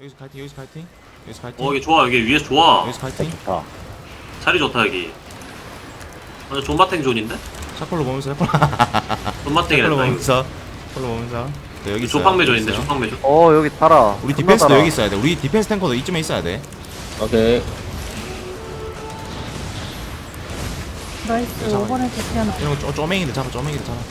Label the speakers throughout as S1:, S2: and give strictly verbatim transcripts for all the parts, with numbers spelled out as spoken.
S1: 여기서 카이팅 여기서 카이팅 여기서 카이팅
S2: 어 여기 좋아 여기 위에서 좋아.
S1: 여기서 카이팅
S3: 좋다.
S2: 자리 좋다 여기. 완전 존마탱 존인데?
S1: 샤콜로 보면서 샤콜로
S2: 존마탱이랬다 이거.
S1: 보면서 샤콜로 보면서 네, 여기 있어요.
S2: 조팡매
S1: 여기
S2: 존인데
S1: 있어요.
S2: 조팡매 존.
S4: 어 여기 달아.
S1: 우리
S4: 존나
S1: 디펜스도
S4: 달아.
S1: 여기 있어야 돼. 우리 디펜스 탱커도 이쯤에 있어야 돼.
S3: 오케이.
S5: 나이스.
S1: 잠깐만.
S5: 오번에 대피하나.
S1: 이런 거 쪼, 쪼맹이들 잡아 쪼맹이들 잡아.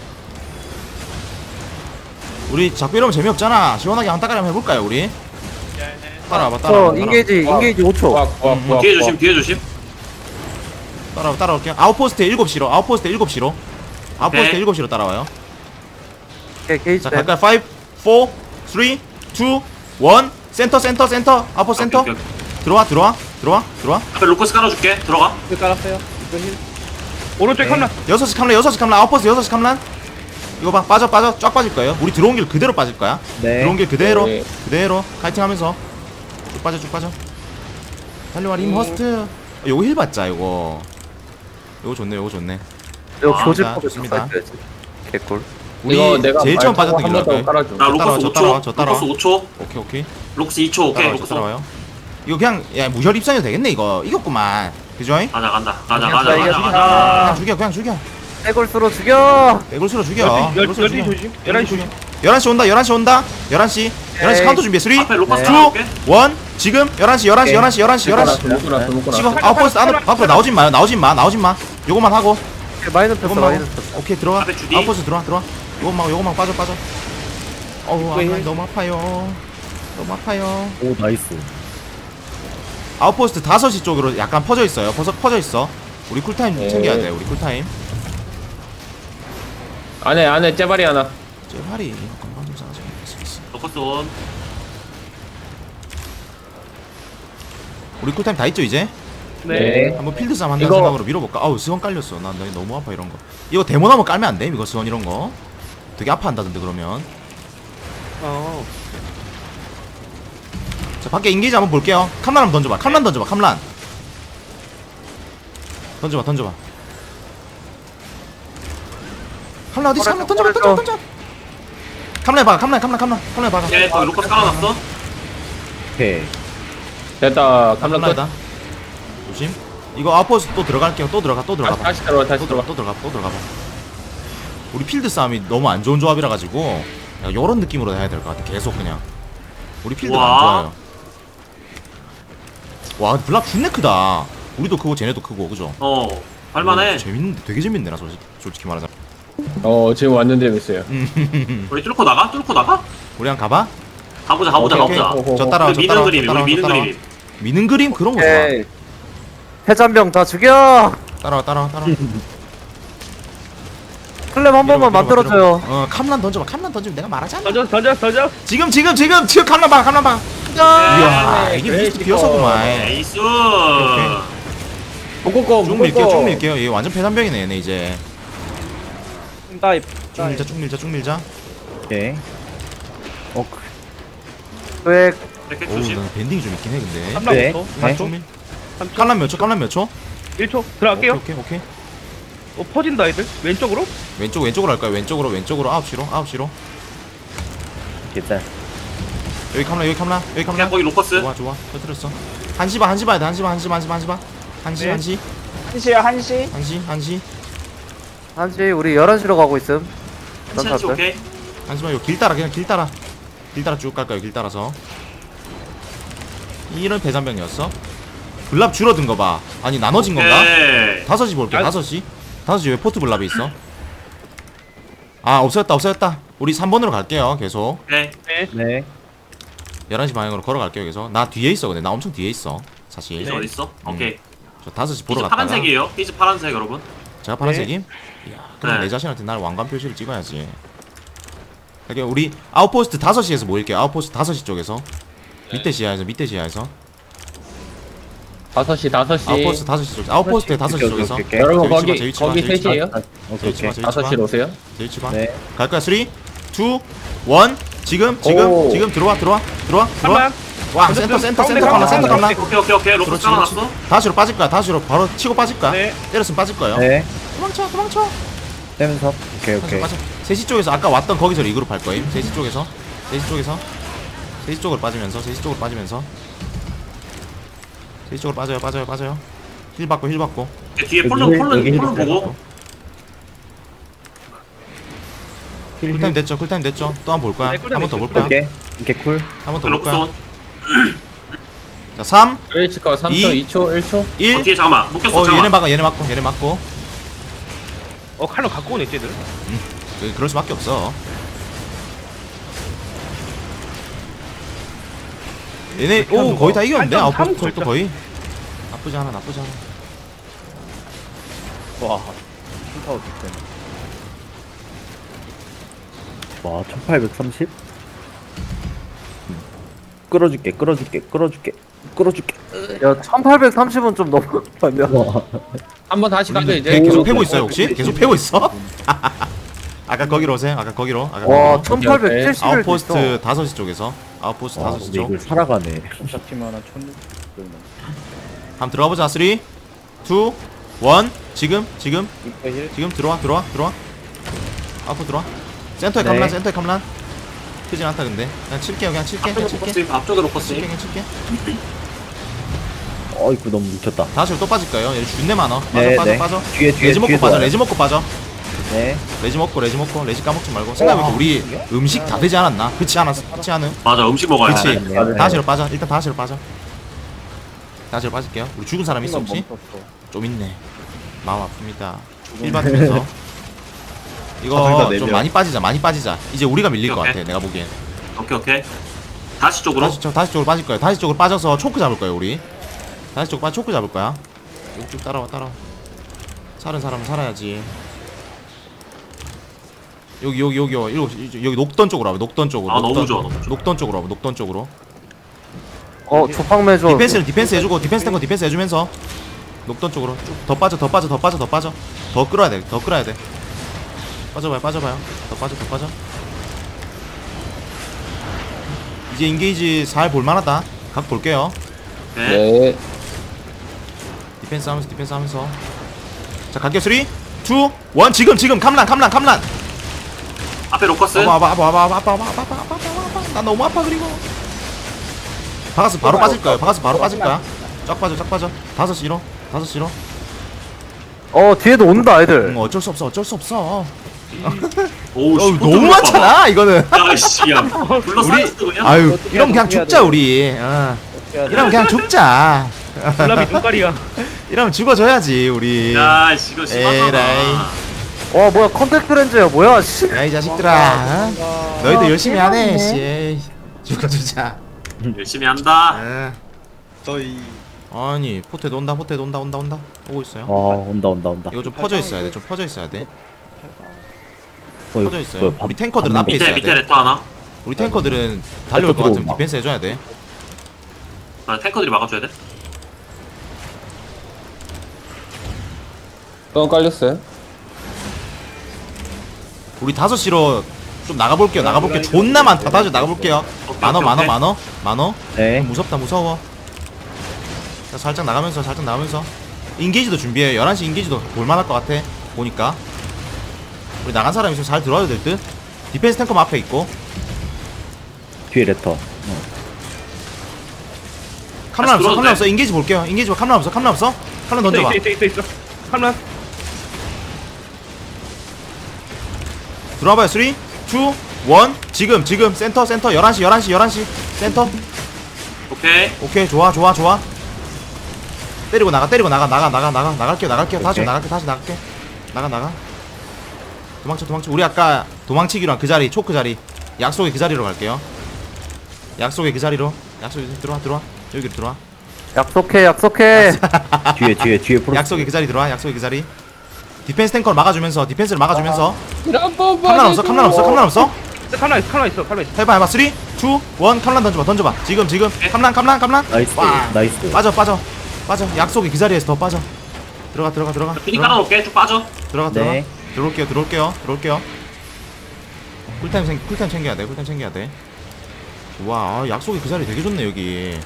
S1: 우리 자꾸 이러면 재미없잖아. 시원하게 한타까리 한번 해볼까요 우리? 따라와봐 따라와봐
S4: 저 인게이지 인게이지 오 초.
S3: 구악 구악
S1: 음,
S3: 구악.
S2: 뒤에 조심 뒤에 조심.
S1: 따라와 따라올게요. 아웃포스트 일곱 시로 아웃포스트 일곱 시로 아웃포스트
S2: 오케이.
S1: 일곱 시로 따라와요.
S4: 오케이 게이지
S1: 자
S4: 댐.
S1: 갈까요? 오, 삼, 이, 이, 일 센터 센터 센터 아웃포스트 센터
S2: 오케이, 오케이, 오케이.
S1: 들어와 들어와 들어와 들어와
S2: 앞에 로커스 깔아줄게. 들어가.
S6: 그 깔았어요. 이거 힐. 오른쪽 컴라.
S1: 여섯 시 캄란 여섯 시 캄란 아웃포스트 여섯 시 캄란 이거 봐 빠져 빠져 쫙 빠질 거예요. 우리 들어온 길 그대로 빠질 거야.
S4: 네.
S1: 들어온 길 그대로
S3: 네.
S1: 그대로 카이팅 하면서 쭉 빠져 쭉 빠져 달려와 림
S6: 음.
S1: 허스트 요거 힐 받자 요거 요거 좋네 요거 좋네.
S4: 이거
S2: 아,
S4: 교질
S1: 자,
S4: 법에
S1: 좋습니다.
S4: 써야지. 개꿀.
S1: 우리
S3: 이거 내가
S1: 제일 처음
S3: 말 타고
S1: 빠졌던 길로
S3: 한번 더
S1: 할까요?
S3: 깔아줘.
S2: 나
S1: 저 따라와,
S2: 로커스
S1: 저
S2: 오 초.
S1: 따라와, 저 따라와.
S2: 로커스 오 초.
S1: 오케이 오케이
S2: 록스 이 초. 오케이
S1: 따라와 저
S2: 로커스.
S1: 따라와요. 이거 그냥 야 무혈 입장해도 되겠네 이거 이겼구만 그죠잉?
S2: 가자 간다. 가자
S1: 그냥
S2: 가자
S4: 이겨,
S2: 가자
S4: 이겨.
S2: 가자.
S1: 그냥 죽여 그냥 죽여
S4: 해골수로 죽여.
S1: 백골수로 죽여
S6: 열두
S1: 백골수로
S6: 열두
S1: 죽여.
S6: 조심. 열한 시 조심.
S1: 열한 시 온다 열한 시 온다 열한 시 열한 시
S4: 에이.
S1: 카운터 준비해 삼, 이,
S2: 앞에 로커스
S4: 네.
S2: 깔아줄게.
S1: 일 지금 열한 시 열한 시 열한 시 열한 시 열한 시
S3: 묶고 나서 묶고
S1: 지금
S3: 나서.
S1: 아웃포스트 안으로 앞으로 나오진 마요 나오진 마 나오진 마 요거만 하고
S4: 마이너 폈어
S1: 요것만
S4: 마이너
S1: 하고
S4: 폈어.
S1: 오케이 들어가
S2: 앞에 주디.
S1: 아웃포스트 들어와 들어와 요것만 요것만 빠져 빠져 어우 아,
S6: 힐.
S1: 너무 아파요 너무 아파요
S3: 오 나이스.
S1: 아웃포스트 다섯 시 쪽으로 약간 퍼져 있어요 퍼져, 퍼져 있어 우리 쿨타임
S3: 네.
S1: 챙겨야 돼 우리 쿨타임
S3: 안에 안에 째발이 하나.
S1: 제발이 건강 좀 싸가지고 있어, 있어.
S2: 로커스 온.
S1: 우리 쿨타임 다 있죠 이제?
S3: 네.
S1: 한번 필드 싸움 한다는
S3: 이거-
S1: 생각으로 밀어볼까? 아우 스원 깔렸어 난 나 너무 아파 이런 거 이거 데모 나면 깔면 안 돼? 이거 스원 이런 거 되게 아파한다던데 그러면
S6: 어.
S1: 자 밖에 인게이지 한번 볼게요 캄란 한번 던져봐 캄란 던져봐 캄란 던져봐 던져봐 캄란 어디 있어 캄란 던져봐 던져봐 던져 캄란 봐가 캄란 캄란 캄란 캄란 봐가
S2: 예 거기 로커스 깔아놨어.
S3: 오케이. 됐다. 감정 끝.
S1: 캄란이다 조심 이거 아웃포스 또 들어갈게요 또 들어가 또 들어가
S3: 다시
S1: 봐
S3: 다시 들어와
S1: 또
S3: 다시
S1: 들어가
S3: 들어와.
S1: 또 들어가 또 들어가 봐 우리 필드 싸움이 너무 안 좋은 조합이라 가지고 요런 느낌으로 해야 될 것 같아 계속 그냥 우리 필드가 안
S2: 우와.
S1: 좋아요 와 블락 존내 크다 우리도 크고 쟤네도 크고 그죠?
S2: 어. 할만해.
S1: 오, 재밌는데 되게 재밌네 나 솔직히, 솔직히 말하자면
S3: 어 지금 완전 재밌어요.
S2: 우리 뚫고 나가? 뚫고 나가?
S1: 우리 한 가봐?
S2: 가보자 가보자
S1: 오케이,
S2: 가보자.
S3: 오케이.
S1: 저 따라와
S2: 우리
S1: 저
S2: 미는
S1: 따라와
S2: 그림
S1: 저
S2: 우리
S1: 따라와 저
S2: 미는
S1: 따라와
S2: 그림.
S1: 미는 그림 그런 거 좋아
S4: 오케이. 해잔병 다 죽여.
S1: 따라와 따라와 따라와
S4: 클랩 한 번만 만들어줘요.
S1: 어 캄란 던져봐 캄란 던지면 내가 말하잖아
S6: 던져 던져 던져.
S1: 지금 지금 지금 지금 캄란 봐 캄란 봐 이야
S3: 네,
S1: 이게
S3: 그래,
S1: 미스트
S3: 이거.
S1: 비어서구만
S2: 에이스.
S3: 묶고
S1: 쭉 밀게요 쭉 밀게요 얘 완전 폐단병이네 얘네 이제
S6: 다이.
S1: 쭉 밀자 쭉 밀자 쭉 밀자
S3: 오케이.
S4: 어. 왜
S2: 이렇게
S1: 오우
S2: 조심.
S1: 나 밴딩이 좀 있긴 해 근데
S6: 깜짝
S3: 네.
S6: 네.
S1: 네. 쭉 밀 캄란 몇 초? 캄란 몇 초?
S6: 일 초 들어갈게요.
S1: 오케이 오케이 오케이
S6: 어 퍼진다 애들. 왼쪽으로.
S1: 왼쪽 왼쪽으로 할까요? 왼쪽으로 왼쪽으로 아홉 시로 아홉 시로
S3: 괜찮.
S1: 여기 캄란 여기 캄란 여기
S2: 그냥
S1: 캄란
S2: 거기 로커스.
S1: 좋아 좋아 터뜨렸어 한시 봐 한시 봐야 돼 한시 봐 한시 봐 한시 봐 한시 봐 한시
S6: 네.
S1: 한시
S7: 한시야 한시.
S1: 한시 한시
S4: 한시 우리 열한 시로 가고 있음.
S2: 한치 한치 오케이.
S1: 한시만 이거 길 따라 그냥 길 따라 길 따라 쭉 갈까요 길 따라서 이런 배산병이었어 블랍 줄어든 거봐 아니 나눠진 건가?
S2: 오케이.
S1: 다섯 시 볼게
S6: 아.
S1: 다섯 시 다섯 시 왜 포트 블랍이 있어? 아 없어졌다 없어졌다 우리 삼 번으로 갈게요 계속
S2: 오케이.
S6: 네.
S3: 네.
S1: 열한 시 방향으로 걸어갈게요 계속 나 뒤에 있어 근데 나 엄청 뒤에 있어 사실
S2: 피즈 어디 있어?
S1: 음.
S2: 오케이.
S1: 저 다섯 시 보러
S2: 피즈
S1: 갔다가
S2: 파란색이에요. 피즈 파란색 여러분.
S1: 제가 파란색임? 이야 그럼
S2: 네.
S1: 내 자신한테 날 왕관 표시를 찍어야지 그러니까 우리 아웃포스트 다섯 시에서 모일게요 아웃포스트 다섯 시 쪽에서 밑에 지하에서 밑에 지하에서
S3: 다섯 시 다섯 시.
S1: 아웃포스트 다섯 시 쪽 아웃포스트의 다섯 시
S3: 오케이,
S1: 쪽에서
S3: 오케이, 오케이. 여러분
S1: 제일
S3: 거기
S1: 치마, 제일 치마,
S3: 거기
S1: 제일 치마.
S3: 셋이에요?
S1: 제일 치마 제일
S3: 다섯
S1: 치마
S3: 시로 오세요.
S1: 제일 치마
S3: 네.
S1: 갈까요? 삼, 이, 일 지금 지금
S3: 오.
S1: 지금 들어와 들어와 들어와 들어와
S6: 한
S1: 와 센터 센터
S6: 가운데,
S1: 센터 깜나 센터
S6: 가운데.
S1: 깜나
S2: 오케이 오케이 오케이. 로커스
S1: 그렇지 그렇지
S2: 깔아놨어.
S1: 다시로 빠질 거야 다시로 바로 치고 빠질 거야
S6: 네.
S1: 때렸으면 빠질 거예요
S3: 네.
S1: 도망쳐 도망쳐
S3: 떼면서. 오케이
S1: 빠져 빠져 세 시 쪽에서 아까 왔던 거기서 리그룹 할 거임 세 시 쪽에서 세 시 쪽에서 세 시 쪽으로 빠지면서 세 시 쪽으로 빠지면서 세 시 쪽으로 빠져요 빠져요 빠져요 힐 받고 힐 받고
S2: 뒤에 폴론
S3: 여기,
S2: 폴론
S3: 여기
S2: 폴론 보고.
S1: 쿨타임 됐죠 쿨타임 됐죠 또 한 번 볼 거야
S6: 네,
S1: 한
S6: 쿨타임
S1: 번 더 볼
S6: 됐죠.
S1: 거야
S3: 오케이. 오케이, 쿨.
S1: 한 번 더 볼 거야
S2: 록손.
S1: 자 삼
S3: 일치가 삼 초,
S1: 이.
S3: 이 초, 일 초.
S2: 어,
S1: 일
S2: 뒤에 잠깐만. 묶였어.
S1: 어 얘네
S2: 잠깐만.
S1: 막아 얘네 막고 얘네 막고
S6: 어 칼로 갖고 오네 쟤들.
S1: 그- 그럴 수밖에 없어 얘네 오 거의 다 이겼는데
S6: 한점
S1: 아웃포스트
S6: 삼
S1: 또
S6: 걸쳐.
S1: 거의 나쁘지 않아 나쁘지 않아
S3: 와, 슈퍼 득점. 와, 천팔백삼십? 끌어줄게, 끌어줄게, 끌어줄게, 끌어줄게.
S4: 야 천팔백삼십은 좀 너무 아니야.
S3: 한번 다시 가면
S1: 우리는
S3: 이제
S1: 배 계속
S3: 오,
S1: 패고
S3: 오,
S1: 있어요
S3: 오,
S1: 혹시?
S3: 오,
S1: 계속 패고 있어? 아까 거기로 오세요 아까 거기로 아까
S4: 와
S1: 거기로
S4: 천팔백칠십일
S1: 아웃포스트 다섯 시 쪽에서 아웃포스트
S3: 와,
S1: 다섯 시
S3: 근데
S1: 쪽
S3: 이걸 살아가네.
S1: 한번 들어가보자 삼, 이, 일 지금 지금 지금 들어와 들어와 들어와 앞으로 들어와 센터에
S3: 네.
S1: 캄란 센터에 캄란 크진 않다 근데 그냥 칠게요 그냥 칠게 그냥
S2: 앞쪽으로
S1: 칠게
S2: 포커스. 앞쪽으로
S1: 칠게
S2: 포커스.
S1: 그냥 칠게
S3: 어이구, 너무 뭉쳤다.
S1: 다시 또 빠질 거예요 얘 준내 많어 빠져
S3: 네,
S1: 빠져
S3: 네.
S1: 빠져
S3: 뒤에, 뒤에,
S1: 레지 먹고
S3: 뒤에
S1: 빠져
S3: 좋아요.
S1: 레지 먹고 빠져
S3: 네.
S1: 레지 먹고 레지 먹고 레지 까먹지 말고 생각해보니까 우리 음식 다 되지 않았나? 그렇지 않았어 그렇지 않음?
S2: 맞아. 음식 먹어야
S1: 그치
S2: 돼.
S3: 네, 네.
S1: 다시로 빠져 일단 다시로 빠져 다시로 빠질게요 우리 죽은 사람 있어 혹시? 좀 있네 마음 아픕니다 힐 받으면서
S3: 아,
S1: 이거
S3: 둘다 네
S1: 좀
S3: 명.
S1: 많이 빠지자 많이 빠지자 이제 우리가 밀릴 것
S2: 오케이,
S1: 같아 내가 보기엔
S2: 오케이 오케이. 다시 쪽으로.
S1: 다시, 저, 다시 쪽으로 빠질 거야 다시 쪽으로 빠져서 초크 잡을 거야 우리 다시 쪽 빠져 초크 잡을 거야 쭉, 쭉 따라와 따라와 살은 사람은 살아야지 여기 여기 여기 여기 여기, 여기 녹던 쪽으로 와봐 녹던 쪽으로
S2: 아, 너무
S1: 녹던,
S2: 좋아, 너무 좋아.
S1: 녹던 쪽으로 와봐 녹던 쪽으로
S4: 어 조팡매줘.
S1: 디펜스는 디펜스 해주고 디펜스 탱커 디펜스 해주면서 녹던 쪽으로 쭉 더 빠져 더 빠져 더 빠져 더 빠져 더 끌어야 돼더 끌어야 돼 빠져봐요 빠져봐요 더 빠져 더 빠져 이제 인게이지 잘 볼만하다 각 볼게요
S2: 네.
S3: 네.
S1: 디펜스 하면서 디펜스 하면서 자 갈게요 삼, 이, 일 지금 지금 캄란 캄란 캄란
S2: 앞에 로커스.
S1: 아파 아파 아파 아파 아파 아파 아파 아파 아파 아파 아파 나 너무 아파 그리고 박아서 바로 빠질 거야 박아서 바로 빠질 거야 쫙 빠져 쫙 빠져 다섯 시로 다섯 시로
S4: 어 뒤에도 온다 애들.
S1: 응, 어쩔 수 없어 어쩔 수 없어
S2: 오우
S1: 어, 너무 많잖아 이거는
S2: 야씨 야. 불러
S1: 우리
S2: 싸웠어 그냥.
S1: 아유 이러면 그냥 죽자 우리 어. 이러면 그냥 죽자
S6: 블랍이 눈깔이야.
S1: 이러면 죽어줘야지 우리
S2: 야 씨, 이거
S1: 에라이.
S2: 심하잖아.
S4: 와 뭐야 컨택트 렌즈야 뭐야 씨.
S1: 야 이 자식들아 어? 너희도 열심히 하네 씨 에이, 죽어주자
S2: 열심히 한다.
S1: 어. 아니 포테도 온다 포테도 온다 온다 온다 오고 있어요
S3: 와, 온다, 온다, 온다.
S1: 이거 좀 퍼져 있어야 돼좀 퍼져 있어야 돼
S3: 어, 이거
S1: 퍼져 있어요
S3: 뭐야, 밥-
S1: 우리 탱커들은
S3: 밥
S1: 앞에
S2: 밑에
S1: 있어야
S2: 밑에
S1: 돼
S2: 레터 하나.
S1: 우리 탱커들은 달려올 것 같으면
S3: 들어온다.
S1: 디펜스 해줘야 돼
S2: 아, 탱커들이 막아줘야 돼.
S3: 또 깔렸어요?
S1: 우리 다섯 시로 좀 나가볼게요 나가볼게요 존나 많다 다시 나가볼게요
S2: 오케이,
S1: 만어
S2: 오케이,
S1: 만어
S2: 오케이.
S1: 만어 만어
S3: 네.
S1: 무섭다 무서워 자, 살짝 나가면서 살짝 나가면서 인게이지도 준비해 열한 시 인게이지도 볼만할 것 같아 보니까 우리 나간 사람 있으면 잘 들어와야 될듯 디펜스 탱커 앞에 있고
S3: 뒤에 레터.
S1: 카메라 없어
S2: 들어와도
S1: 카메라
S2: 돼.
S1: 없어 인게이지 볼게요 인게이지 봐 카메라 없어 카메라 없어 카메라 던져봐
S6: 있어 있어 있어 있어. 칼란.
S1: 들어와봐요 삼, 이, 일 지금 지금 센터 센터 열한 시 열한 시 열한 시 센터
S2: 오케이.
S1: 오케이 좋아 좋아 좋아 때리고 나가 때리고 나가 나가 나가 나가 나갈게요 나갈게요 다시
S3: 오케이.
S1: 나갈게 다시 나갈게 나가 나가 도망쳐 도망쳐 우리 아까 도망치기로 한 그 자리 초크 자리 약속의 그 자리로 갈게요 약속의 그 자리로 약속의 들어와 들어와 여기로 들어와
S4: 약속해 약속해.
S3: 뒤에, 뒤에, 뒤에 프로.
S1: 약속의 그 자리 들어와 약속의 그 자리 디펜스 탱커를 막아주면서 디펜스를 막아주면서 캄란 없어 캄란 없어 캄란 없어
S6: 칼란 있어 칼란 있어 칼란 있어.
S1: 해봐 해봐 삼, 이, 일 캄란 던져봐 던져봐 지금 지금 캄란 캄란 캄란
S3: 나이스,
S1: 와.
S3: 나이스.
S1: 빠져 빠져 빠져 약속의 그 자리에서 더 빠져 들어가 들어가 들어가
S2: 피니
S1: 들어가
S2: 깔아놓을게. 쭉 빠져.
S1: 들어가 들어가
S3: 네.
S1: 들어올게요 들어올게요 들어올게요 쿨타임 생 쿨타임 챙겨야 돼 쿨타임 챙겨야 돼 와 아, 약속의 그 자리 되게 좋네 여기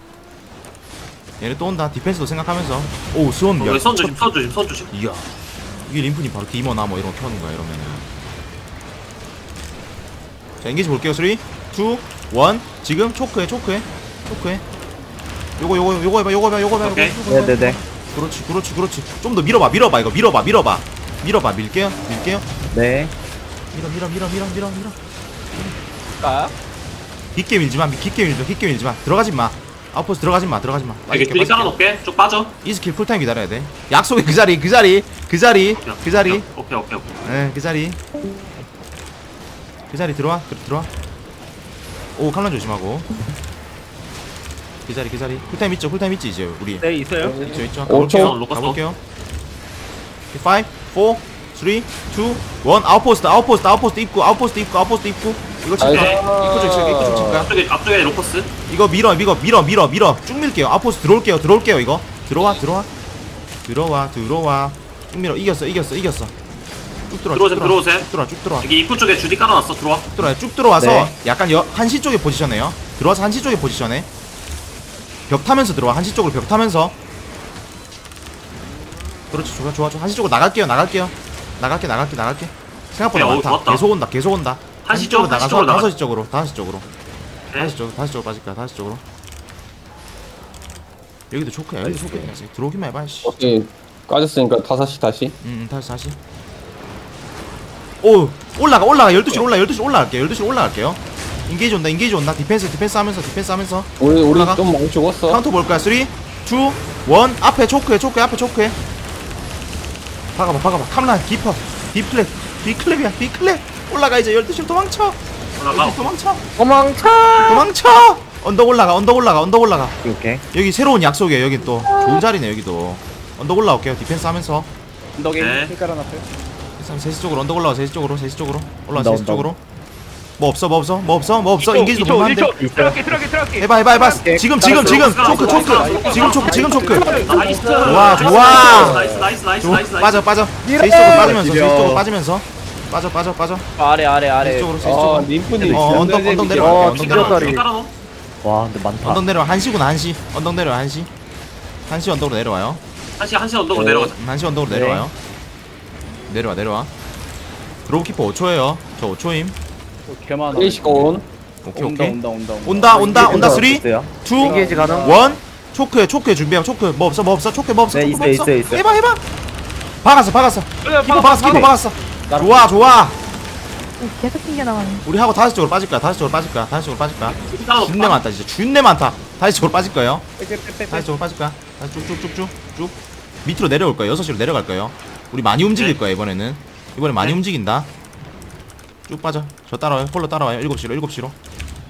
S1: 얘네 또 온다 디펜스도 생각하면서 오 수원
S2: 여기 선 조심 선 조심 선 조심.
S1: 이야 이게 림프님 바로 디머나 뭐 이런 거 켜는 거야 이러면은 자 인게이지 볼게요 삼, 이, 일 원 지금 초크해 초크해 초크해 요거 요거 요거 해봐 요거 해봐 요거 해봐
S2: 오케이.
S1: 요거 해봐.
S3: 네네네.
S1: 그렇지 그렇지 그렇지 좀 더 밀어봐 밀어봐 이거 밀어봐 밀어봐 밀어봐 밀게요 밀게요
S3: 네.
S1: 밀어 밀어 밀어 밀어 밀어 밀어 깊게 밀지마 깊게 밀지마 깊게 밀지마 들어가지마 아웃포스 들어가지마 들어가지마
S2: 여기 뚜리 깔아놓을게. 쭉 빠져.
S1: 이 스킬 풀타임 기다려야 돼 약속의 그 자리 그 자리 그 자리 그 자리
S2: 오케이 오케이 오케이.
S1: 예그 자리 그 자리 들어와 그, 들어와 오 칼란 조심하고 그 자리 그 자리 풀타임 있죠 풀타임 있지 이제 우리
S6: 네 있어요.
S1: 있죠 있죠
S3: 오 초.
S1: 가볼게요
S2: 로커스.
S1: 가볼게요 오, 사, 사, 일, 아웃포스트 아웃포스트 아웃포스트 입구 아웃포스트 입구 아웃포스트 입구 이거 칠까
S2: 오케이.
S1: 입구 쪽 칠까 입구 쪽 칠까
S2: 앞쪽에 앞쪽에 로커스.
S1: 이거 밀어 밀어 밀어 밀어 밀어 쭉 밀게요 아웃포스트 들어올게요 들어올게요 이거 들어와 들어와 들어와 들어와 쭉 밀어 이겼어 이겼어 이겼어 쭉 들어와
S2: 들어오세요,
S1: 쭉
S2: 들어오세요.
S1: 쭉 들어와 쭉 들어와
S2: 여기 입구 쪽에 주디 깔아놨어. 들어와.
S1: 쭉 들어와 쭉 들어와서
S3: 네.
S1: 약간 여, 한시 쪽에 포지션해요 들어와서 한시 쪽에 포지션해 벽 타면서 들어와 한시 쪽으로 벽 타면서 그렇지 좋아 좋아 좋아 한시 쪽으로 나갈게요 나갈게요 나갈게 나갈게 나갈게 생각보다
S2: 오케이, 어,
S1: 많다
S2: 좋았다.
S1: 계속 온다 계속 온다
S2: 한시 쪽, 한시
S1: 나가서
S2: 쪽으로 나가.
S1: 다섯 시 쪽으로 다섯 시 쪽으로
S2: 네.
S1: 다시 쪽 다시 쪽으로 빠질까 다시 쪽으로 여기도 초크야 여기도 초크야 들어오기만 해봐 씨.
S7: 오케이 까졌으니까 다섯 시 다시.
S1: 음 다시 다시 오 올라가 올라가 열두 시로 올라 열두 시로 올라갈게요 열두 시로 올라갈게요 인게이지 온다 인게이지 온다 디펜스 디펜스 하면서 디펜스 하면서
S7: 우리 우리
S1: 올라가.
S7: 좀 많이 죽었어.
S1: 카운터 볼 거야 삼, 이, 일 앞에 초크해 초크해 앞에 초크해 박아봐 박아봐 캄란 디퍼 디플랩 디클랩이야 디클랩 올라가 이제 열두 시로 도망쳐
S2: 올라가.
S1: 열두 시 도망쳐
S4: 도망쳐.
S1: 도망쳐 언덕 올라가 언덕 올라가 언덕 올라가
S3: 오케이.
S1: 여기 새로운 약속이에요 여기 또 좋은 자리네 여기도 언덕 올라올게요 디펜스 하면서
S2: 네.
S1: 세 시 쪽으로 언덕 올라와 세 시 쪽으로 세 시 쪽으로 올라와
S3: 온다,
S1: 세 시
S3: 온다.
S1: 쪽으로 뭐 없어 뭐 없어 뭐 없어 뭐 없어 인게이지도
S6: 일 초,
S1: 볼만한데
S6: 일 초. 들어갈게 들어갈게 들어갈게.
S1: 해봐 해봐 해봐 지금 지금 지금 초크 초크 지금 초크 지금 초크
S2: 나이스.
S1: 좋아, 좋아.
S2: 나이스 나이스 나이스
S1: 좋아,
S2: 나이스 나이스.
S1: 빠져 빠져 세 시 쪽으로 빠지면서 세 시 쪽으로 빠지면서 빠져 빠져 빠져
S8: 아래 아래
S1: 세 시
S8: 아래
S1: 쪽으로 세 시
S7: 아
S1: 쪽으로
S7: 님분이
S1: 어 언덕 언덕 내려와
S4: 어,
S1: 언덕
S4: 진짜
S1: 내려와
S4: 다리.
S2: 주디 깔아놓어.
S3: 와 근데 많다.
S1: 언덕 내려와 한시구나 한시 언덕 내려와 한시 한시 언덕으로 내려와요
S2: 한시 한시 언덕으로 내려가자.
S1: 음, 한시 언덕으로 내려와요 내려와 내려와 드로우키퍼 오 초에요 저 오 초임
S8: 개만
S7: 일시가 온.
S1: 오케이
S8: 온다
S1: 오케이
S8: 온다 온다
S1: 온다 온다 온다 삼, 이,
S3: 있어요?
S4: 인게이지 가능.
S1: 일 초크해 초크해 준비하고 초크 뭐 없어 뭐 없어 초크 뭐 없어
S3: 네,
S1: 초크 뭐
S3: 있어요,
S1: 없어
S3: 있어요, 있어요.
S1: 해봐 해봐 박았어 박았어
S6: 야,
S1: 키퍼 박았어 키퍼 박았어 좋아 좋아
S5: 계속 튕겨 나가네.
S1: 우리 하고 다시 쪽으로 빠질 거야 다시 쪽으로 빠질 거야 다시 쪽으로 빠질 거야
S2: 주디 깔아놓어.
S1: 준내 많다 진짜 준내 많다 다시 쪽으로 빠질 거예요 다시 쪽으로 빠질 거야 다시 쭉쭉쭉쭉쭉 밑으로 내려올 거예요 여섯 시로 내려갈 거예요 우리 많이 움직일
S2: 네.
S1: 거야 이번에는 이번에 많이
S2: 네.
S1: 움직인다 쭉 빠져 저 따라와요 홀로 따라와요 일곱 시로 일곱 시로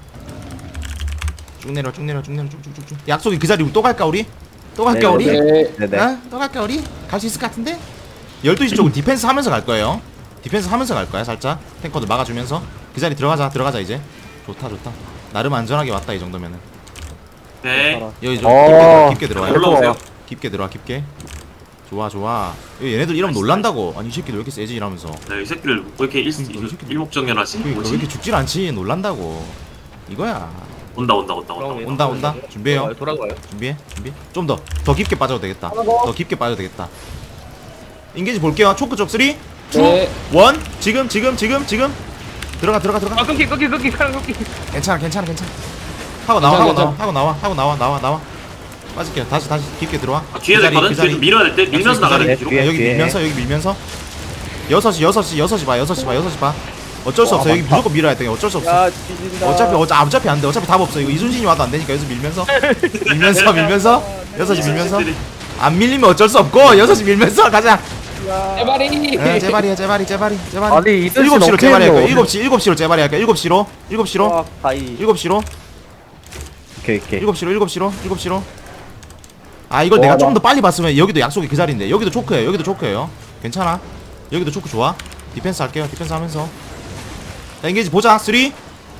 S1: 쭉 내려 쭉 내려 쭉 내려 쭉쭉쭉쭉 약속이 그 자리 또 갈까 우리? 또 갈까
S3: 네,
S1: 우리?
S7: 네.
S3: 네네.
S1: 어? 또 갈까 우리? 갈 수 있을 것 같은데? 열두 시 쪽은 디펜스 하면서 갈 거예요 디펜스 하면서 갈 거야 살짝 탱커들 막아주면서 그 자리 들어가자 들어가자 이제 좋다 좋다 나름 안전하게 왔다 이 정도면은
S2: 네.
S1: 여기 좀
S4: 어.
S1: 깊게, 깊게 들어와요
S2: 올라오세요.
S1: 깊게 들어와 깊게 좋아 좋아 여기 얘네들 이러면 놀란다고 아니 이 새끼들 왜 이렇게 세지 이러면서
S2: 네, 이 새끼를 왜 이렇게 일,
S1: 그러니까 이 새끼들.
S2: 일목정연하지?
S1: 그러니까 왜
S2: 뭐지?
S1: 이렇게 죽질 않지 놀란다고 이거야
S2: 온다 온다 온다 온다.
S6: 올라오네.
S1: 온다 온다 준비해요
S6: 돌아가요.
S1: 준비해 준비 좀 더 더 깊게 빠져도 되겠다 더 깊게 빠져도 되겠다 인게이지 볼게요 초크 쪽 삼, 이, 일
S7: 네.
S1: 지금 지금 지금 지금 들어가 들어가 들어가
S6: 아 끊기 끊기 끊기 사람 끊기.
S1: 괜찮아 괜찮아 괜찮아 하고 나와 하고
S7: 괜찮아,
S1: 나와 하고 나와 하고 나와 나와 나와 빠질게요 다시 다시 깊게 들어와
S2: 아, 뒤에도
S1: 그 자리,
S2: 있거든.
S1: 그 자리.
S2: 뒤에도 밀어야 될 때 밀면서
S1: 그 자리.
S2: 나가야 돼.
S3: 네,
S2: 뒤로.
S3: 뒤에.
S1: 여기 밀면서 여기 밀면서 여섯 시 여섯 시 여섯 시 봐 여섯 시 봐 여섯 시 봐 어쩔 수 없어 여기 무조건 밀어야 돼 어쩔 수 없어
S8: 야 뒤진다
S1: 어차피 어차, 어차피 안돼 어차피 답 없어 이거 이순신이 와도 안 되니까 여기서 밀면서 밀면서 밀면서 여섯 시 밀면서 안 밀리면 어쩔 수 없고 여섯 시 밀면서 가자
S7: 제발이.
S1: 에, 제발이야 제발이 제발이 제발이
S4: 아니 이순신
S1: 일곱 시로
S4: 어떻게
S1: 제발이 할까요
S4: 했노?
S1: 일곱 시 일곱 시로 제발이 할까요 일곱 시로 일곱 시로
S8: 아 가이
S1: 일곱 시로
S3: 오케이 오케이.
S1: 일곱 시로 일곱 시로 일곱 시로 아 이걸
S3: 와,
S1: 내가
S3: 나-
S1: 좀 더 빨리 봤으면 여기도 약속이 그 자리인데 여기도 초크예요 여기도 초크예요 괜찮아 여기도 초크 좋아 디펜스 할게요 디펜스 하면서 자 인게이지 보자 삼, 이, 일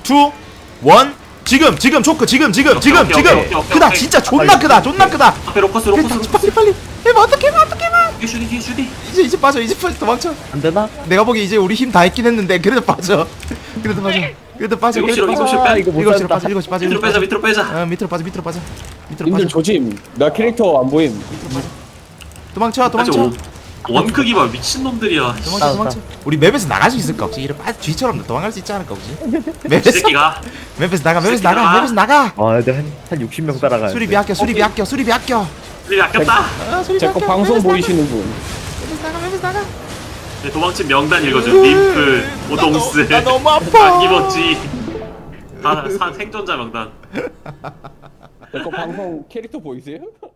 S1: 지금 지금 초크 지금 지금
S2: 오케이,
S1: 지금
S2: 오케이,
S1: 지금
S2: 오케이, 오케이,
S1: 크다
S2: 오케이.
S1: 진짜 존나 크다 존나 크다
S2: 앞에 로커스 로커스 로커스.
S1: 빨리 빨리 해봐 어떻게 해봐 어떻게 해봐
S2: 뒤에 슈디 뒤에 슈디.
S1: 이제 이제 빠져 이제 빠져 도망쳐
S3: 안 되나?
S1: 내가 보기 이제 우리 힘 다 했긴 했는데 그래도 빠져 그래도 빠져 그래도 빠져
S2: 일곱 시로
S1: 그래도
S2: 일곱 시로
S3: 아
S2: 빼.
S3: 이거 못
S1: 일곱 시로
S3: 산다.
S1: 빠져 일곱 시 빠져
S2: 밑으로
S1: 일곱 시
S2: 빼자
S1: 빠져
S2: 밑으로 빼자.
S1: 어 밑으로 빠져 밑으로 빠져 밑으로
S7: 님들
S1: 빠져
S7: 조짐. 나 캐릭터 안 보임.
S1: 도망쳐
S2: 다시
S1: 도망쳐
S2: 오. 원크기 봐 미친놈들이야.
S1: 도망쳐 도망쳐. 우리 맵에서 나갈 수 있을까 혹시? 이래 빠 쥐처럼 도망갈 수 있지 않을까 혹시?
S2: 이
S1: 맵에서
S2: 새끼가
S1: 맵에서 나가 맵에서
S2: 새끼들아.
S1: 나가 맵에서 나가.
S3: 아 근데 한, 한 육십 명 따라가야
S1: 수리비 아껴 수리비 아껴 수리비 아껴.
S2: 우리 아꼈다.
S1: 아 수리비
S7: 제
S1: 아껴.
S7: 거 방송
S1: 맵에서
S7: 보이시는 분.
S1: 나가, 맵에서 나가 맵에서 나가.
S2: 네, 도망친 명단 읽어준 림프, 오동스,
S1: 나 너무 아파.
S2: 안기버지 다 사- 생존자 명단.
S7: 제 거 방송 캐릭터 보이세요?